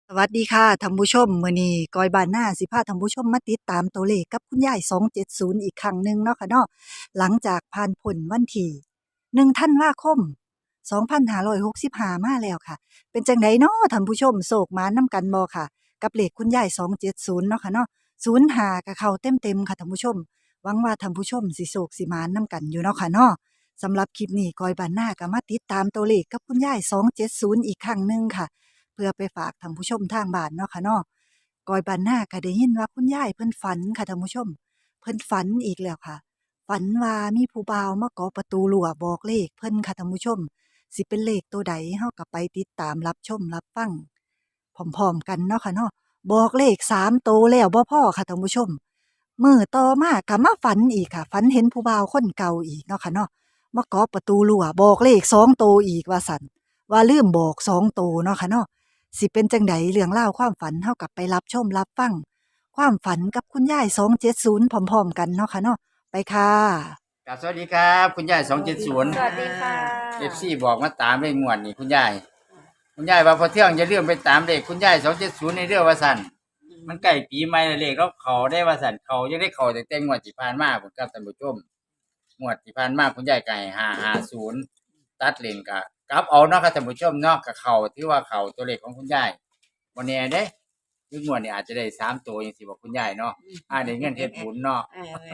สวัสดีค่ะท่านผู้ชมมื้อนี้กอยบ้านนาสิพาท่านผู้ชมมาติดตามตัวเลขกับคุณยาย270อีกครั้งหนึ่งเนาะค่ะเนาะหลังจากผ่านพ้นวันที่1ธันวาคม2565มาแล้วค่ะเป็นจังไดเนาะท่านผู้ชมโศกหมานำกันบ่ค่ะกับเลขคุณยาย270เนาะค่ะเนาะ05ก็เข้าเต็มๆค่ะท่านผู้ชมหวังว่าท่านผู้ชมสิโศกสิหมานนำกันอยู่เนาะค่ะเนาะสำหรับคลิปนี้กอยบ้านนาก็มาติดตามตัวเลขกับคุณยาย270อีกครั้งหนึ่งค่ะ เพื่อไปฝากท่านผู้ชมทางบ้านเนาะค่ะเนาะกอยบ้านนาก็ได้ยินว่าคุณยายเพิ่นฝันค่ะท่านผู้ชมเพิ่นฝันอีกแล้วค่ะฝันว่ามีผู้บ่าวมาเคาะประตูรั้วบอกเลขเพิ่นค่ะท่านผู้ชมสิเป็นเลขตัวใดเฮาก็ไปติดตามรับชมรับฟังพร้อมๆกันเนาะค่ะเนาะบอกเลข3โตวแล้วบ่พอค่ะท่านผู้ชมมื้อต่อมาก็มาฝันอีกค่ะฝันเห็นผู้บ่าวคนเก่าอีกเนาะค่ะเนาะมาเคาะประตูรั้วบอกเลข2โตวอีกว่าซั่นว่าลืมบอก2โตวเนาะค่ะเนาะ สิเป็นจังไดเรื่องเล่าวความฝันเฮากลับไปรับชมรับฟังความฝันกับคุณยาย270พร้อมๆกันเนาะค่ะเนาะไปค่ะครับสวัสดีครับคุณยาย270 สวัสดีค่ะ FCบอกมาตามเลขงวดนี่คุณยายว่าพอเที่ยงจะเลื่อนไปตามเลขคุณยาย270ในเรื่องว่าสั่นมันใกล้ปีใหม่แล้วเลขแล้วเขาได้ว่าสั่นเขายังได้เขาแต่งวดที่ผ่านมาผมครับท่านผู้ชมงวดที่ผ่านมาคุณยายไก่550ตัดเลนกลับเอาเนาะครับท่านผู้ชมเนาะกับเขาที่ว่าเขาตัวเลขของคุณยายบ่แน่เด้คืองวดนี้อาจจะได้3ตัวจังซี่บอกคุณยายเนาะได้เงินเฮ็ดบุญเนาะ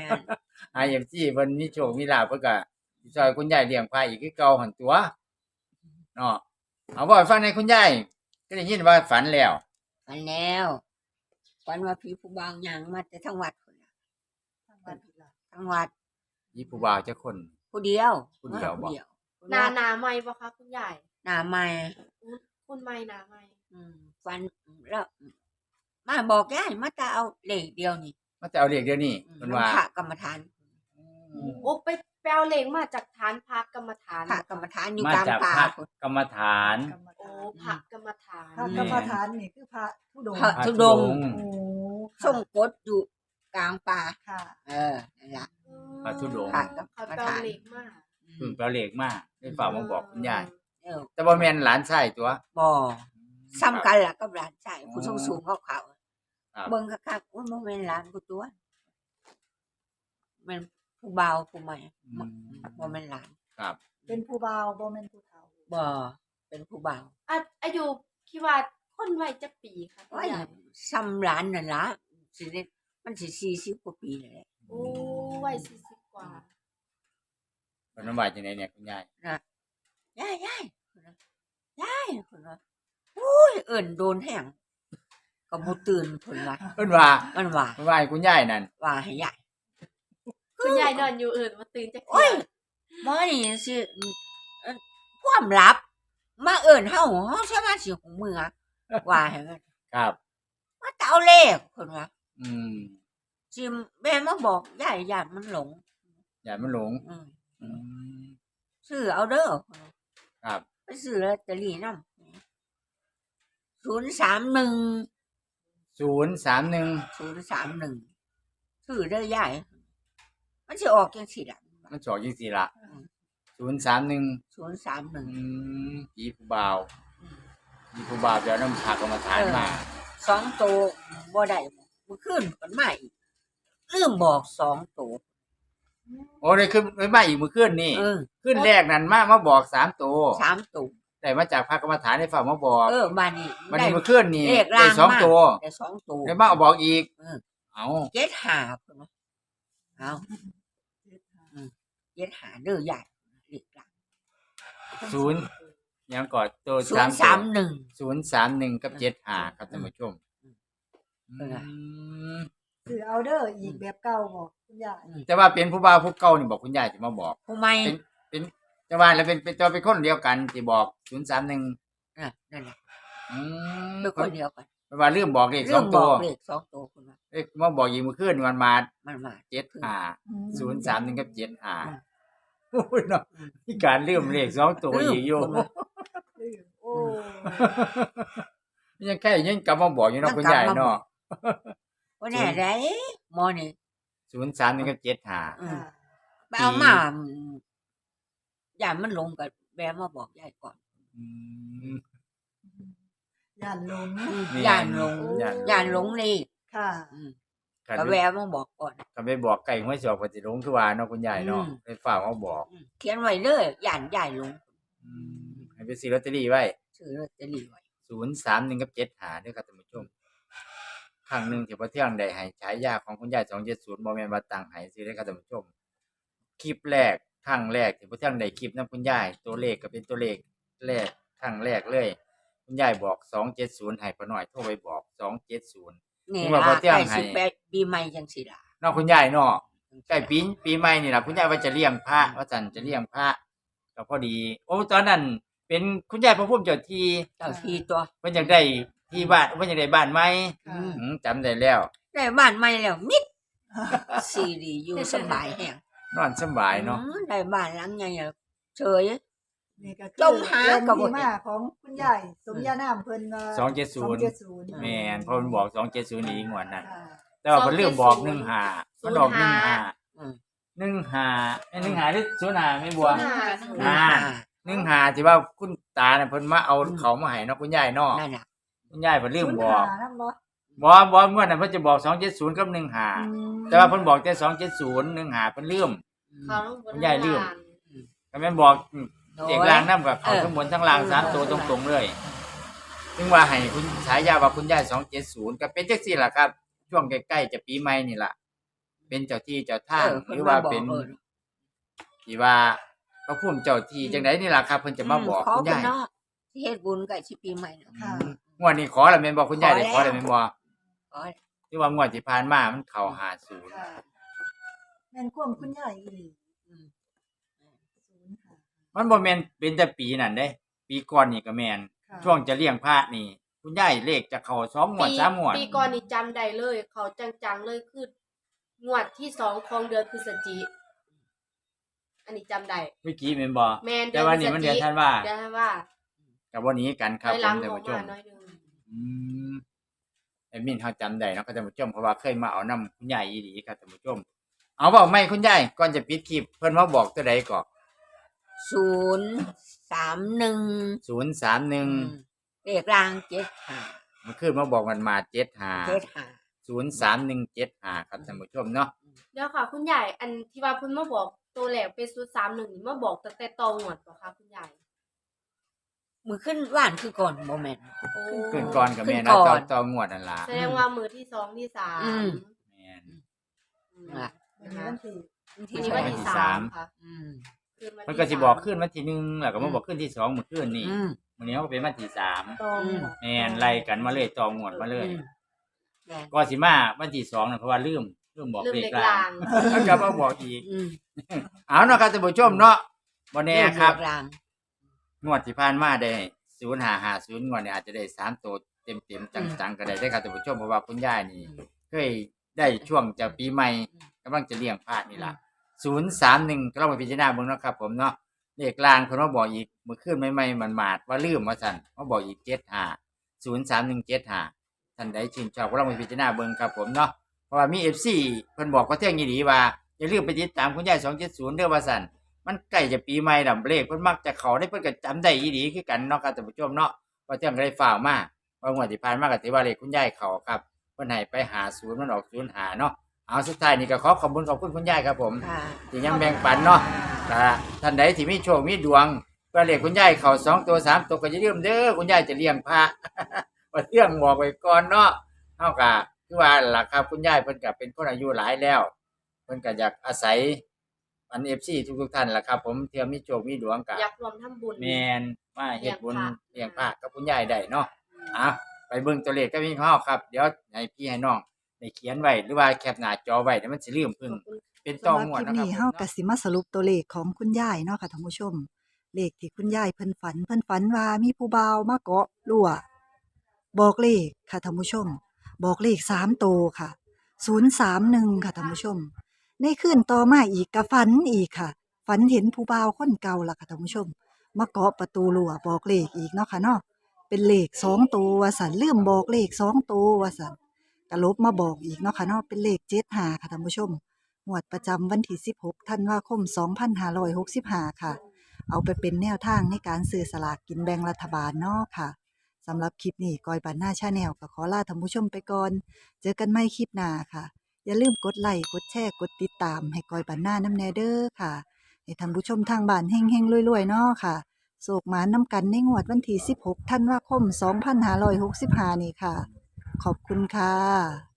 IFC เพิ่นมีโชคมีลาภเพิ่นก็สิช่วยคุณยายเลี้ยงพระอีกคือเก่าหั่นตัวเนาะเอาเว้าให้ฟังหน่อยคุณยายก็ได้ยินว่าฝันแล้วฝันแล้วฝันว่าผีผู้บ่าวหยังมาแต่ทั้งวัดพุ่นน่ะทั้งวัดมีผู้บ่าวจักคนผู้เดียวผู้เดียวบ่หนาใหม่บ่คะคุณยายหน้าใหม่คุณใหม่หนาใหม่ฝันแล้วมาบอกยายมาจะเอาเลขเดียวนี่มาแต่เอาเลขเดี๋ยวนี้เพิ่นว่าพระกรรมฐานโอ้ไปเอาเหล็กมาจากฐานพักกรรมฐานพระกรรมฐานอยู่มากลางจากป่าพระพุ่นกรรมฐานโอ้พระกรรมฐานพระกรรมฐานนี่คือพระธุดงค์พระธุดงค์โอ้ส่งกดอยู่กลางป่าค่ะนั่นล่ะพระธุดงค์พระกรเขารมไปเอาฐานเหล็กมาเพิ่นไปเอาเลขมาได้ฝากมาบอกคุณยายเออแต่บ่แม่นหลานชายตัวบ่ซ้ำกันล่ะกับหลานชายผู้สูงๆขาวครับๆเบิ่งคักๆว่าบ่แม่นหลานกูตัวแม่นผู้บ่าวผู้ใหม่บ่แม่นหลานครับเป็นผู้บ่าวบ่แม่นผู้เฒ่าบ่เป็นผู้บ่าวอายุคิดว่าคนวัยจักปีค่ะคุณโอ้ยยายซ้ำหลานนั่นล่ะสิได้มันสิ40กว่าปีแล้วแหละโอ้วัย40 กว่าเพิ่นว่าจังไดเนี่ยคุณยายนะยายเพิ่นว่ายายเพิ่นว่าโอ้ยเอิ้นโดนแห้งก็บ่ตื่นเพิ่นว่าเพิ่นว่ามันว่าเพิ่นว่าให้คุณยายนั่นว่าให้ยายคุณยายนอนอยู่อื่นมาตื่นจากโอ้ยบ่นี่สิความลับ มาเอิ้นเฮาสามารถสิหูมือว่าให้มันครับมาแต่เอาเลขเพิ่นว่าอืมสิแม่มาบอกยายญาติมันหลงอย่ามันหลงอืมอืมซื้อเอาเด้อครับไปซื้อลอตเตอรี่นำ031 031 031ซื้อเด้อยายมันสิออกจังซี่ล่ะมันสอกจังซี่ล่ะอืม 031 031 ผีผู้บ่าวผีผู้บ่าวจะเอาน้ำผักเอามาทานมา 2ตัวบ่ได้มื้อคืนมันมาอีกลืมบอก2ตัวโอ้ได้ขึ้นไปมาอีกมื้อคืนนี่เออคืนแรกนั่นมาบอก3ตัว 3ตัวได้มาจากพระกรรมฐานให้ฝากมาบอกบ้านนี้วันนี้มื้อคืนนี่เลขได้ล่างสองมาตัวได้2ตัวได้มาเอาบอกอีกเออเอา 75เพิ่นว่าเอา75เด้อยายเลขล่างศูนย์ยังก่อนตัว 031 031กับ75ครับท่านผู้ชมเออคือเอาเด้ออีกแบบเก่าบ่คุณยายแต่ว่าเป็นผู้บ่าวผู้เก่านี่บอกคุณยายสิมาบอกผู้ใหม่เป็นแต่ว่าแล้วเป็นตัวเป็นคนเดียวกันที่บอก031 นั่นแหละอืมเป็นคนเดียวกันแปลว่าลืมบอกเลขเรื่สออง งบตัอวกเลข2ตัวคุณว่าเอ้ยมาบอกอีกมื้อคืนนี่มันมามันมา 031กับ75โอ้ยเนาะมีการลืมเลข2ตัวอีกอยู่โอ้ยังแค่ยังกลับมาบอกอยู่เนาะคุณยายเนาะว่าแน่ได้หมอนี่ 031กับ75 ค่ะไปเอามาย่ามันลงกับแบมาบอกยายก่อนอืมย่านหลงย่านหลงย่านย่านหลงนี่ค่ะคันก็แวะมาบอกก่อนคันไปบอกไก่ห้วยสอกก็สิหลงคือว่าเนาะคุณยายเนาะอืมไปฝากเอาบอกเขียนไว้เลยย่านย่ายหลงให้ไปซื้อลอตเตอรี่ไว้ซื้อลอตเตอรี่ไว้ 031กับ75เด้อครับท่านผู้ชมครั้งหนึงที่พ่อเที่ยงได้ให้ฉายาของคุณยาย270บ่แม่นว่าตั้งให้ซื้อเด้อครับท่านผู้ชม คลิปแรกครั้งแรกที่พ่อเที่ยงได้คลิปนำคุณยายตัวเลขก็เป็นตัวเลขแรกครั้งแรกเลย คุณยายบอก270ให้พ่อน้อยโทรไปบอก270 นี่ว่าล่ะบ่เที่ยงใกล้ให้สิปีใหม่จังซี่ล่ะเนาะคุณยายเนาะใกล้ปีใหม่นี่ล่ะคุณยายว่าจะเลี้ยงพระว่าซั่นจะเลี้ยงพระก็พอดี โอ้ตอนนั้นเป็นคุณยายพระภูมิเจ้าที่เจ้าที่ตัวเพิ่นอยากได้ที่บ้านเพิ่นอยากได้บ้านใหม่ค่ะจำได้แล้วได้บ้านใหม่แล้วมิดซีดีอยู่สบายแฮงนอนสบายเนาะได้บ้านหลังใหญ่แล้วเฉยนี่ก็จมหาแรงก็บ่ที่เห็นมาของคุณยายสมญานามเพิ่นว่า 270 แม่นเพราะมันบอก270นี่งวดนั้นค่ะแต่ว่าเพิ่นลืมบอก15มันออก15 อืม 15หรือ05แม่บัว อ่า 15ที่ว่าคุณตาน่ะเพิ่นมาเอาเขามาให้เนาะคุณยายเนาะนั่นน่ะคุณยายเพิ่นลืมบอกศูนย์ห้านำบ่บ่เมื่อนั้นเพิ่นจะบอก270กับ15แต่ว่าเพิ่นบอกแต่270 15เพิ่นลืมเขาต้องบนคุณยายลืมล่างก็แม่นบอกโอ้ยเด็กล่างนำกับเขาเออทั้งบนทั้งล่าง3ตัวตรงๆเลยถึงว่าให้คุณฉายาว่าคุณยาย270ก็เป็นจังซี่ล่ะครับ ช่วงใกล้ๆจะปีใหม่นี่ล่ะเป็นเจ้าที่เจ้าทางหรือว่าเป็นที่ว่าพระภูมิเจ้าที่จังไดนี่ล่ะครับเพิ่นจะมาบอกขอคุณเพิ่นยายเนาะสิเฮ็ดบุญใกล้สิปีใหม่เนาะค่ะงวดนี้ขอแล้วแม่นบ่คุณยายได้ขอแล้วแม่นบ่ขอที่ว่างวดที่ผ่านมามันเข้า50 ค่ะแม่นความคุณยายอีหลีอืม 05 มันบ่แม่นเป็นแต่ปีนั่นเด้ ปีก่อนนี่ก็แม่นค่ะช่วงจะเลี้ยงพระนี่ คุณยายเลขจะเข้า2งวด3งวดปีก่อนนี่จำได้เลย เขาจังๆเลยคืองวดที่2ของเดือนพฤศจิกอันนี้จำได้เมื่อกี้แม่นบ่แม่นแต่ว่านี่มันเดือนธันวาเดือนธันวาก็บ่หนีกันครับไปผหลัมงท่านออกผู้ชมาม น้อยหนึงอืมแอดมินเฮาจำได้เนาะครับท่านผู้ชมเพราะว่าเคยมาเอานํคุณยายอีหลีครับท่านผู้ชม เอาเว้าใหม่คุณยายก่อนจะปิดคลิปเพิ่นมาบอกตัวใดก็ 031 031 เลขราง75 เมื่อคืนมาบอกมันมา75 75 03175ครับท่านผู้ชมเนาะเดี๋ยวค่ะ คุณยายอันที่ว่าเพิ่นมาบอกตัวแรกเป็น031นี่มาบอกตั้งแต่ตองวดบ่คะคุณยายมือขึ้นว่านคือก่อนบ่แม่นโอ้ขึ้นก่อนกับแม่ขึ้นะนก่อนต่องวดนั่นล่ะแสดงว่ามือที่2ที่3 อืมแม่นล่ะวันนี้วันที่ทีนี้วันที่วันที่สาสามมค่ะอืมคืนวันที่มันก็สิบอกสามขึ้นวันที่1แล้วก็มาบอกขึ้นที่2มื้อคืนนี่อืมมื้อนี้เขาก็เป็นวันที่3 ตองแม่นไล่กันมาเลยต่องวดมาเลยแม่นก็สิมาวันที่2น่ะเพราะว่าลืมบอกลืมเลเด็ขกล่าลาง งแล้วก็มาบอกอีกอืมเอาเนาะครับท่านผู้ชมเนาะบ่แน่ครับเลขรางงวดที่ผ่านมาได้0550งวดนี้อาจจะได้3ตัวเต็มๆจังๆก็ได้เด้อครับท่านผู้ชมเพราะว่าคุณยายนี่เคยได้ช่วงจะปีใหม่กำลังจะเลี้ยงพระนี่ล่ะ031ก็ลองไปพิจารณาเบิ่งเนาะครับผมเนาะเลขกลางเพิ่นมาบอกอีกเมื่อคืนใหม่ๆมันมาดว่าลืมว่าซั่นมาบอกอีก75 03175ท่านใดชื่นชอบก็ลองไปพิจารณาเบิ่งครับผมเนาะเพราะว่ามี FC เพิ่นบอกว่าเที่ยงอีหลีว่าอย่าลืมไปติดตามคุณยาย270เด้อว่าซั่นมันใกล้จะปีใหม่แล้วเลขเพิ่นมักจะเข้าได้เพิ่นก็จำได้อีหลีคือกันเนาะครับท่านผู้ชมเนาะว่าเที่ยงก็ได้ฝากมาว่างวดที่ผ่านมาก็ถือว่าเลขคุณยายเข้าครับเพิ่นให้ไป50มันออก05เนาะเอาสุดท้ายนี่ก็ขอบคุณคุณยายครับผมค่ะที่ยังแบ่งปันเนาะถ้าท่านใดที่มีโชคมีดวงก็เรียกคุณยายเข้า2ตัว3ตัวก็อย่าลืมเด้อคุณยายจะเลี้ยงพระ ว่าเรื่องบอกไว้ก่อนเนาะเฮาก็คือว่าล่ะครับคุณยายเพิ่นก็เป็นคนอายุหลายแล้วเพิ่นก็อยากอาศัยอัน FC ทุกๆท่านล่ะครับ ผมเที่ยมีโชคมีดวงก็อยากรวมทำบุญแม่นมาเฮ็ดบุญเลี้เลี้ยยงงพพระระกับคุณยายได้เนาะอ่ะไปเบิ่งตัวเลขกับพี่เฮาครับเดี๋ยวให้พี่ให้น้องได้เขียนไว้หรือว่าแคปหน้าจอไว้เดี๋ยวมันสิลืมเพิ่งเป็นต่องวดสำหรับคลิปนะครันี้บเฮาก็สิมาสรุปตัวเลขของคุณยายเนาะค่ะท่านผู้ชม เลขที่คุณยายเพิ่นฝันว่ามีผู้บ่าวมาเกาะรั้วบอกเลขค่ะท่านผู้ชม บอกเลข3โตวค่ะ031ค่ะท่านผู้ชม ในคืนต่อมาอีกก็ฝันอีกค่ะ ฝันเห็นผู้บ่าวคนเก่าล่ะค่ะท่านผู้ชม มาเกาะประตูรั้วบอกเลขอีกเนาะค่ะเนาะเป็นเลข2ตัวว่าซั่นลืมบอกเลข2ตัวว่าซั่นก็ลบมาบอกอีกเนาะค่ะเนาะเป็นเลข75ค่ะท่านผู้ชม งวดประจำวันที่16ธันวาคม2565ค่ะ เอาไปเป็นแนวทางในการซื้อสลากกินแบ่งรัฐบาลเนาะค่ะสำหรับคลิปนี้กอยบ้านนาชาแนลก็ขอลาท่านผู้ชมไปก่อนเจอกันใหม่คลิปหน้าค่ะอย่าลืมกดไลค์กดแชร์กดติดตามให้กอยบ้านนานำแน่เด้อค่ะให้ท่านผู้ชมทางบ้านเฮงๆรวยๆเนาะค่ะโศกหมานนำกันในงวดวันที่16ธันวาคม2565นี่ค่ะขอบคุณค่ะ